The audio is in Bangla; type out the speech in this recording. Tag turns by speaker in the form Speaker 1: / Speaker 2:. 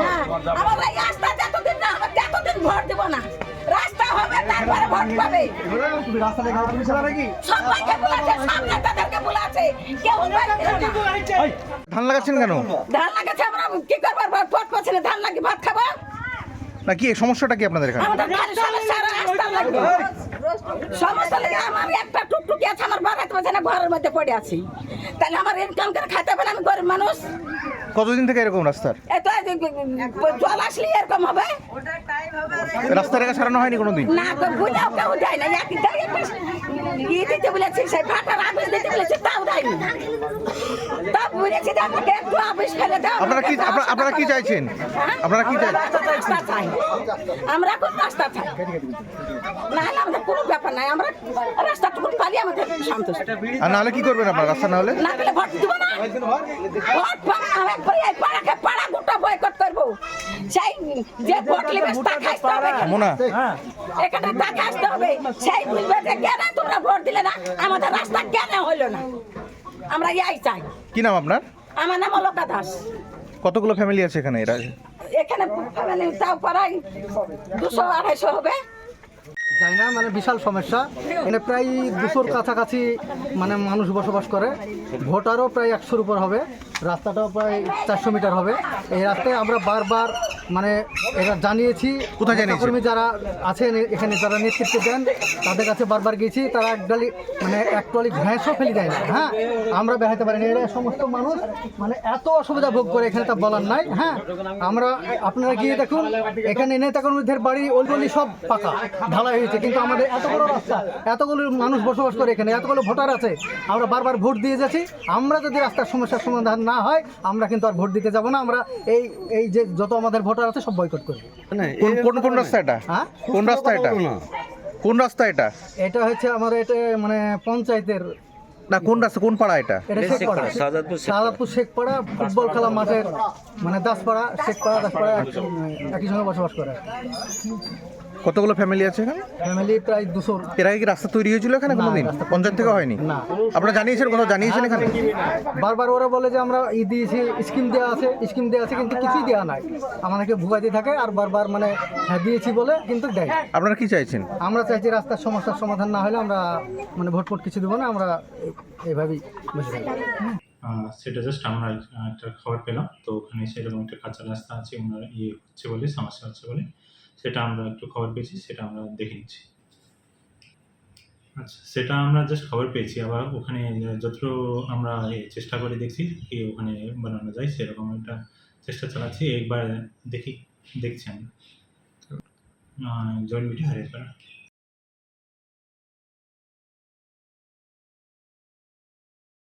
Speaker 1: আমরা এই রাস্তা যতদিন না হবে ততদিন ভোট দেব না। রাস্তা হবে তারপরে ভোট পাবে।
Speaker 2: রাস্তা দেখা পুলিশ আলা নাকি?
Speaker 1: সবাইকে বলেছে, সব নেতাদেরকে বলেছে, কেউ বাড়ি দিল না।
Speaker 3: ধান লাগাচ্ছেন কেন?
Speaker 1: ধান লাগাচ্ছে, আমরা কি করবার ভোট পাচ্ছি না, ধান লাগি ভাত খাবো।
Speaker 3: না কি সমস্যাটা কি আপনাদের এখানে?
Speaker 1: আমাদের খালি সমস্যা রাস্তা লাগবে। সমস্যা লাগে, আমার একটা টুকটুকি আছে, আমার বাড়াতে পারছে না, ঘরের মধ্যে পড়ে আছি। তাহলে আমার ইনকাম করে খাইতে হবে না, আমি গরিব মানুষ।
Speaker 3: কতদিন থেকে এরকম রাস্তার?
Speaker 1: এত জল আসলে এরকম হবে
Speaker 3: রাস্তা রেখা সারানো হয়নি কোনোদিন?
Speaker 1: না, তো বুঝাও কেউ দেয় না। ইয়ে দিতে বলেছি, সেই ভাটার আবিষ দিতে বলেছি, তাও দেয়নি। তা বুঝেছি যে আমাকে একটু আবিষ ফেলে দাও।
Speaker 3: আপনারা কি চাইছেন? আপনারা কি চাইছেন?
Speaker 1: রাস্তা চাই, আমরা কোন রাস্তা চাই না হলে আমাদের কোনো ব্যাপার নাই। আমরা রাস্তাটুকু পালি আমাদের সন্তুষ্ট।
Speaker 3: আর নাহলে কি করবেন আপনারা? রাস্তা না হলে
Speaker 1: না পেলে ভোট দিব না। ভোট পাবো না, একবারে এই পাড়াকে পাড়া গোটা বয়কট করবো। সেই যে ভোট নেবে তাকে আসতে হবে,
Speaker 3: মোনা
Speaker 1: এখানে তাকে আসতে হবে। সেই বলবে যে কেন তোমরা ভোট দিলে না, আমাদের রাস্তা কেন হলো না। আমরা ইয়াই চাই।
Speaker 3: কি নাম আপনার?
Speaker 1: আমার নাম অলকা দাস।
Speaker 3: কতগুলো ফ্যামিলি আছে এখানে? এরা
Speaker 1: এখানে ফ্যামিলি তাও প্রায় 200-250 হবে।
Speaker 2: যাই না, মানে বিশাল সমস্যা। এখানে প্রায় 200-র কাছাকাছি মানে মানুষ বসবাস করে। ভোটারও প্রায় 100-র উপর হবে। রাস্তাটাও প্রায় 400 মিটার হবে। এই রাস্তায় আমরা বারবার মানে এটা জানিয়েছি।
Speaker 3: কোথায় জানিয়েছেন?
Speaker 2: কর্মী যারা আছেন এখানে, যারা নেতৃত্ব দেন, তাদের কাছে বারবার গেছি। তারা এক টলি ঘ্যাঁসও ফেলে দেয় না। হ্যাঁ, আমরা বেড়াতে পারি না। এরা সমস্ত মানুষ মানে এত অসুবিধা ভোগ করে, এখানে তা বলার নাই। হ্যাঁ, আমরা আপনারা গিয়ে দেখুন, এখানে নেতা কর্মীদের বাড়ি ওলগলি সব পাকা ঢালাই হয়েছে, কিন্তু আমাদের এত বড় রাস্তা, এতগুলো মানুষ বসবাস করে এখানে, এতগুলো ভোটার আছে, আমরা বারবার ভোট দিয়ে যাচ্ছি। আমরা যদি রাস্তার সমস্যার সমাধান না হয়, আমরা কিন্তু আর ভোট দিতে যাব না। আমরা এই যে যত আমাদের ভোটার আছে সব বয়কট করব।
Speaker 3: কোন রাস্তা এটা?
Speaker 2: হ্যাঁ,
Speaker 3: কোন রাস্তা এটা? কোন রাস্তা এটা?
Speaker 2: এটা হচ্ছে আমার এটা মানে পঞ্চায়েতের
Speaker 3: না, কোন রাস্তা, কোন পাড়া এটা?
Speaker 2: এটা শেখপাড়া, শাহজাদপুর শেখপাড়া, ফুটবল খেলা মাঠের মানে দাসপাড়া, শেখপাড়া, দাসপাড়া একই সঙ্গে বসবাস করে।
Speaker 3: কতগুলো ফ্যামিলি আছে এখানে?
Speaker 2: ফ্যামিলি প্রায় 200।
Speaker 3: এর আগে কি রাস্তা তৈরি হয়েছিল এখানে কোনোদিন? পঞ্চায়েত থেকে হয়নি?
Speaker 2: না।
Speaker 3: আপনারা জানিয়েছেন, কোথাও জানিয়েছেন এখানে?
Speaker 2: বারবার ওরা বলে যে আমরা দিয়েছি, স্কিম দেওয়া আছে, কিন্তু কিছুই দেওয়া নাই। আমাদেরকে ভুগাইতে থাকে আর বারবার মানে হ্যাঁ দিয়েছি বলে কিন্তু দেয়।
Speaker 3: আপনারা কি চাইছেন?
Speaker 2: আমরা চাইছি রাস্তার সমস্যার সমাধান না হলে আমরা মানে ভোট কিছু দেবো না। আমরা এইভাবেই বসে থাকি।
Speaker 4: সেটা জাস্ট আমরা একটা খবর পেলাম, তো ওখানে সেরকম একটা কাঁচা রাস্তা আছে, ওনার হচ্ছে বলে, সমস্যা হচ্ছে বলে, সেটা আমরা একটু খবর পেয়েছি, সেটা আমরা দেখে নিচ্ছি। আচ্ছা, সেটা আমরা জাস্ট খবর পেয়েছি। আবার ওখানে যতটুকু আমরা চেষ্টা করে দেখছি কি ওখানে বানানো যায়, সেরকম একটা চেষ্টা চালাচ্ছি। একবার দেখছি আমরা জয়েন্ট মিটিং হারিয়ে